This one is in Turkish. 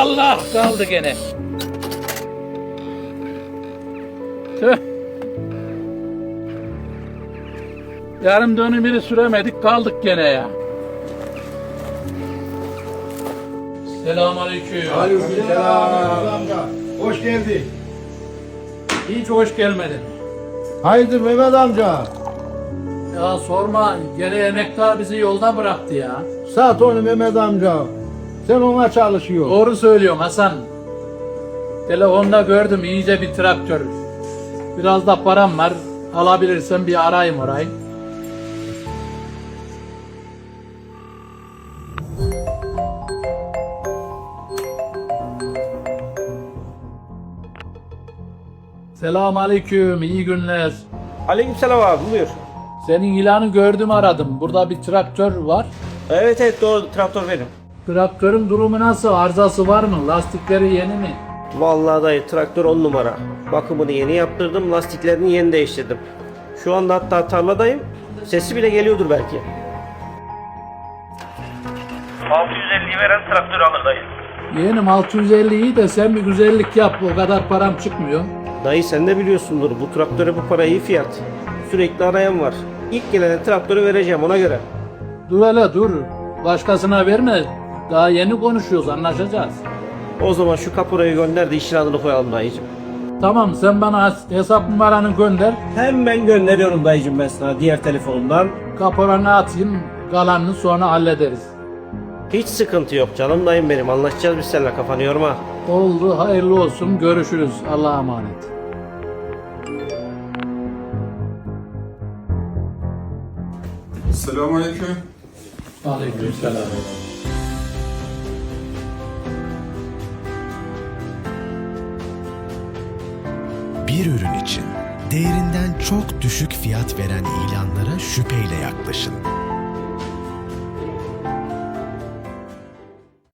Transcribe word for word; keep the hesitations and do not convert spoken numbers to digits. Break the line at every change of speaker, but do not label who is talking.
Allah kaldı gene. Tüh. Yarım dönümünü süremedik kaldık gene ya. Selamünaleyküm.
Aleykümselam. Hoş geldin.
Hiç hoş gelmedin.
Hayırdır Mehmet amca?
Ya sorma, gene emektar bizi yolda bıraktı ya.
Sat onu Mehmet amca. Sen ona çalışıyorsun.
Doğru söylüyorsun Hasan. Telefonda gördüm iyice bir traktör. Biraz da param var. Alabilirsen bir arayayım orayı. Selamünaleyküm, iyi günler.
Aleykümselam abi, buyur.
Senin ilanı gördüm aradım. Burada bir traktör var.
Evet evet doğru, traktör benim.
Traktörün durumu nasıl? Arızası var mı? Lastikleri yeni mi?
Vallahi dayı traktör on numara. Bakımını yeni yaptırdım, lastiklerini yeni değiştirdim. Şu anda hatta tarladayım. Sesi bile geliyordur belki. altı yüz elliyi veren traktör alır dayı.
Yeğenim altı yüz elli iyi de sen bir güzellik yap. O kadar param çıkmıyor.
Dayı sen de biliyorsundur, bu traktöre bu para iyi fiyat. Sürekli arayan var. İlk gelene traktörü vereceğim ona göre.
Dur hele dur. Başkasına verme. Daha yeni konuşuyoruz, anlaşacağız.
O zaman şu kaporayı gönder de işin adını koyalım dayıcım.
Tamam, sen bana hesap numaranı gönder.
Hemen gönderiyorum dayıcım ben sana diğer telefonumdan.
Kaporanı atayım. Kalanını sonra hallederiz.
Hiç sıkıntı yok canım dayım benim, anlaşacağız biz seninle, kafanı yorma.
Oldu, hayırlı olsun. Görüşürüz. Allah'a emanet.
Selamünaleyküm.
Aleykümselam.
Bir ürün için değerinden çok düşük fiyat veren ilanlara şüpheyle yaklaşın.